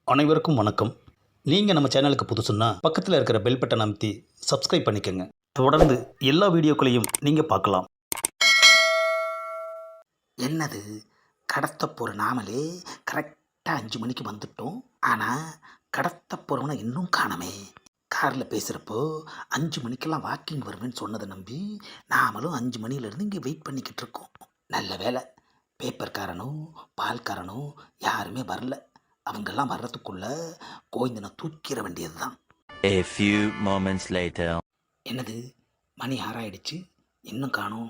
அனைவருக்கும் வணக்கம். நீங்கள் நம்ம சேனலுக்கு புதுசுன்னா பக்கத்தில் இருக்கிற பெல் பட்டனை அமைத்தி சப்ஸ்கிரைப் பண்ணிக்கோங்க. தொடர்ந்து எல்லா வீடியோக்களையும் நீங்கள் பார்க்கலாம். என்னது கடத்த போகிற நாமளே கரெக்டாக 5 மணிக்கு வந்துட்டோம். ஆனால் கடத்த போகிறவனை இன்னும் காணமே. காரில் பேசுகிறப்போ 5 மணிக்கெல்லாம் வாக்கிங் வருவேன்னு சொன்னதை நம்பி நாமளும் 5 மணிலேருந்து இங்கே வெயிட் பண்ணிக்கிட்டு இருக்கோம். நல்ல வேலை, பேப்பர்காரனும் பால்காரனும் யாருமே வரல. அவங்கெல்லாம் வர்றதுக்குள்ள கோவிந்தனை தூக்கிட வேண்டியது தான். A few moments later. என்னது மணி 6 ஆயிடுச்சு, இன்னும் காணோம்.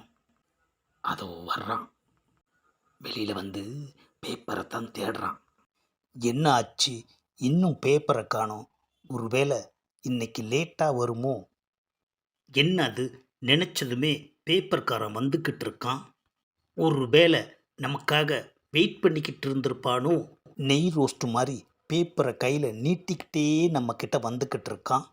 அதோ வர்றான். வெளியில் வந்து பேப்பரை தான் தேடுறான். என்ன ஆச்சு, இன்னும் பேப்பரை காணோம்? ஒருவேளை இன்னைக்கு லேட்டாக வருமோ? என்ன அது, நினச்சதுமே பேப்பர்காரன் வந்துக்கிட்டு இருக்கான். ஒருவேளை நமக்காக வெயிட் பண்ணிக்கிட்டு இருந்திருப்பானோ? நெய் ரோஸ்ட் மாதிரி பேப்பரை கையில் நீட்டிக்கிட்டே நம்மக்கிட்ட வந்துக்கிட்டு இருக்கான்.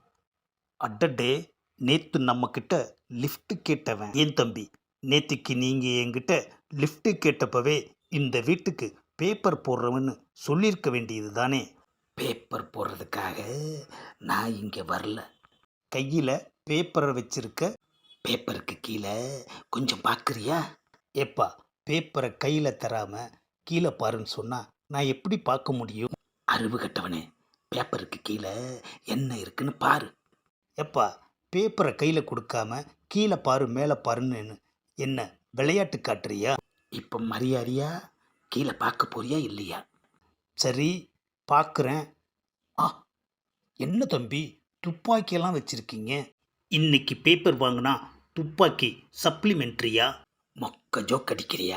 அடடே, நேற்று நம்மக்கிட்ட லிஃப்ட்டு கேட்டவன். ஏன் தம்பி, நேற்றுக்கு நீங்கள் என்கிட்ட லிஃப்ட்டு கேட்டப்பவே இந்த வீட்டுக்கு பேப்பர் போடுறவன்னு சொல்லியிருக்க வேண்டியது தானே. பேப்பர் போடுறதுக்காக நான் இங்கே வரல. கையில் பேப்பரை வச்சிருக்க, பேப்பருக்கு கீழே கொஞ்சம் பார்க்குறியா? ஏப்பா, பேப்பரை கையில் தராமல் கீழே பாருன்னு சொன்னால் நான் எப்படி பார்க்க முடியும்? அறிவு கட்டவனே, பேப்பருக்கு கீழே என்ன இருக்குன்னு பாரு. எப்பா, பேப்பரை கையில் கொடுக்காம கீழே பாரு மேலே பாருன்னு என்ன விளையாட்டு காட்டுறியா? இப்போ மரியாதையா கீழே பார்க்க போறியா இல்லையா? சரி, பார்க்குறேன். ஆ, என்ன தம்பி, துப்பாக்கியெல்லாம் வச்சுருக்கீங்க. இன்னைக்கு பேப்பர் வாங்கினா துப்பாக்கி சப்ளிமெண்ட்ரியா? மொக்க ஜோக் அடிக்கிறியா?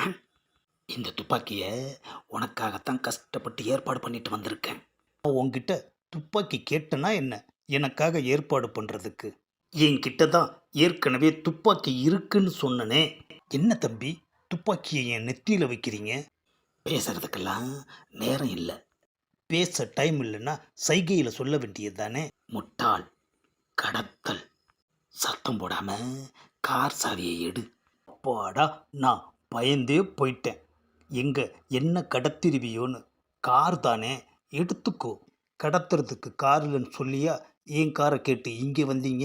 இந்த துப்பாக்கியை உனக்காகத்தான் கஷ்டப்பட்டு ஏற்பாடு பண்ணிட்டு வந்திருக்கேன். உங்ககிட்ட துப்பாக்கி கேட்டனா என்ன, எனக்காக ஏற்பாடு பண்ணுறதுக்கு? என்கிட்ட தான் ஏற்கனவே துப்பாக்கி இருக்குன்னு சொன்னனே. என்ன தம்பி, துப்பாக்கியை என் நெத்தியில் வைக்கிறீங்க? பேசுறதுக்கெல்லாம் நேரம் இல்லை. பேச டைம் இல்லைன்னா சைகையில் சொல்ல வேண்டியது தானே. முட்டாள், கடத்தல். சத்தம் போடாம கார் சாவியை எடு. அப்பாடா, நான் பயந்தே போயிட்டேன். எங்கே என்ன கடத்திருவியோன்னு. கார் தானே, எடுத்துக்கோ. கடத்துறதுக்கு கார் இல்லைன்னு சொல்லியா என் காரை கேட்டு இங்கே வந்தீங்க?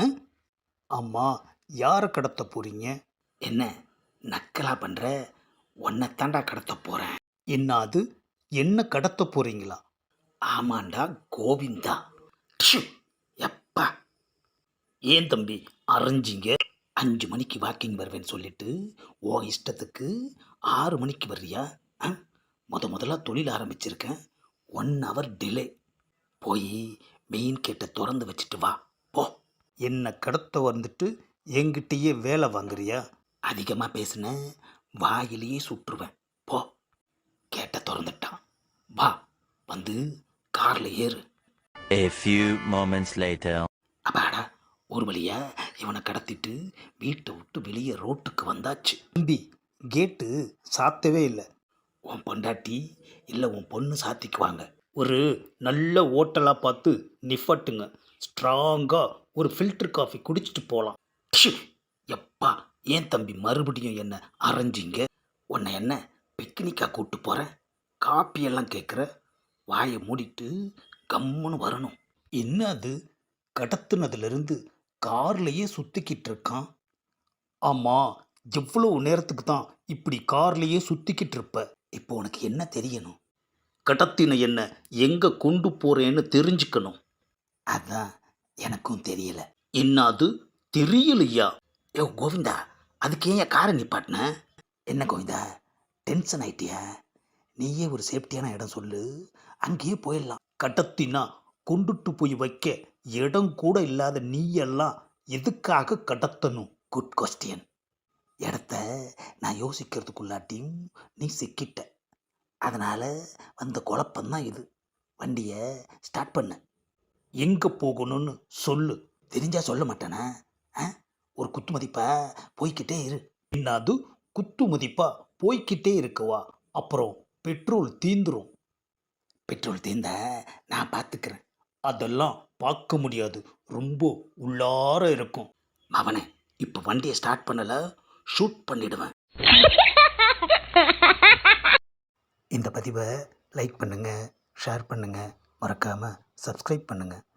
ஆமாம், யாரை கடத்த போகிறீங்க? என்ன நக்கலா பண்ணுற? உன்னை தாண்டா கடத்த போகிறேன். என்ன அது, என்ன கடத்த போகிறீங்களா? ஆமாண்டா கோவிந்தா. ப்ஷு, எப்பா. ஏன் தம்பி அரைஞ்சிங்க? 5 மணிக்கு வாக்கிங் வருவேன்னு சொல்லிட்டு ஓ இஷ்டத்துக்கு 6 மணிக்கு வர்றியா? முதல்ல தொழில் ஆரம்பிச்சிருக்கேன். 1 hour டிலே. போய் மெயின் கேட்டை திறந்து வச்சுட்டு வா போ. என்ன கடத்த வந்துட்டு என்கிட்டயே வேலை வாங்குறியா? அதிகமாக பேசுன வாயிலேயே சுற்றுவேன். போ. கேட்டை திறந்துட்டான். வா, வந்து காரில் ஏறு. A few moments later. அப்பாடா, ஒரு வழியா இவனை கடத்திட்டு வீட்டை விட்டு வெளியே ரோட்டுக்கு வந்தாச்சு. தம்பி, கேட்டு சாத்தவே இல்லை. உன் பொண்டாட்டி இல்லை உன் பொண்ணு சாத்திக்குவாங்க. ஒரு நல்ல ஹோட்டலாக பார்த்து நிஃபட்டுங்க. ஸ்ட்ராங்காக ஒரு ஃபில்டர் காஃபி குடிச்சிட்டு போகலாம். ப்ஷு, எப்பா. ஏன் தம்பி மறுபடியும் என்ன அரைஞ்சிங்க? உன்னை என்ன பிக்னிக்காக கூப்பிட்டு போகிறேன்? காப்பியெல்லாம் கேட்குற? வாயை மூடிட்டு கம்முன்னு வரணும். என்ன அது, கடத்துனதுலேருந்து கார்லேயே சுற்றிக்கிட்டு இருக்கான். ஆமாம், எவ்வளோ நேரத்துக்கு தான் இப்படி கார்லேயே சுற்றிக்கிட்டு இருப்ப? இப்போ உனக்கு என்ன தெரியணும்? கடத்தின என்ன எங்கே கொண்டு போகிறேன்னு தெரிஞ்சுக்கணும். அதான் எனக்கும் தெரியல. என்ன அது, தெரியலையா? ஏ கோவிந்தா, அதுக்கு ஏன் காரை நிப்பாட்டின? என்ன கோவிந்தா, டென்ஷன் ஆயிட்டியா? நீயே ஒரு சேஃப்டியான இடம் சொல்லு, அங்கேயே போயிடலாம். கடத்தினா கொண்டுட்டு போய் வைக்க இடம் கூட இல்லாத நீயெல்லாம் எதுக்காக கடத்தணும்? Good question. இடத்த நான் யோசிக்கிறதுக்குள்ளாட்டியும் நீ சிக்கிட்ட. அதனால் வந்த குழப்பந்தான் இது. வண்டியை ஸ்டார்ட் பண்ண. எங்கே போகணும்னு சொல்லு. தெரிஞ்சா சொல்ல மாட்டேனா? ஒரு குத்து மதிப்பா போய்கிட்டே இரு. என்னது, குத்து மதிப்பா போய்கிட்டே இருக்கவா? அப்புறம் பெட்ரோல் தீந்துரும். பெட்ரோல் தீர்ந்தா நான் பார்த்துக்கிறேன். அதெல்லாம் பார்க்க முடியாது, ரொம்ப உள்ளார இருக்கும். அவனை இப்போ வண்டியை ஸ்டார்ட் பண்ணலை, ஷூட் பண்ணிடுவேன். இந்த பதிவை லைக் பண்ணுங்கள், ஷேர் பண்ணுங்கள், மறக்காமல் சப்ஸ்கிரைப் பண்ணுங்கள்.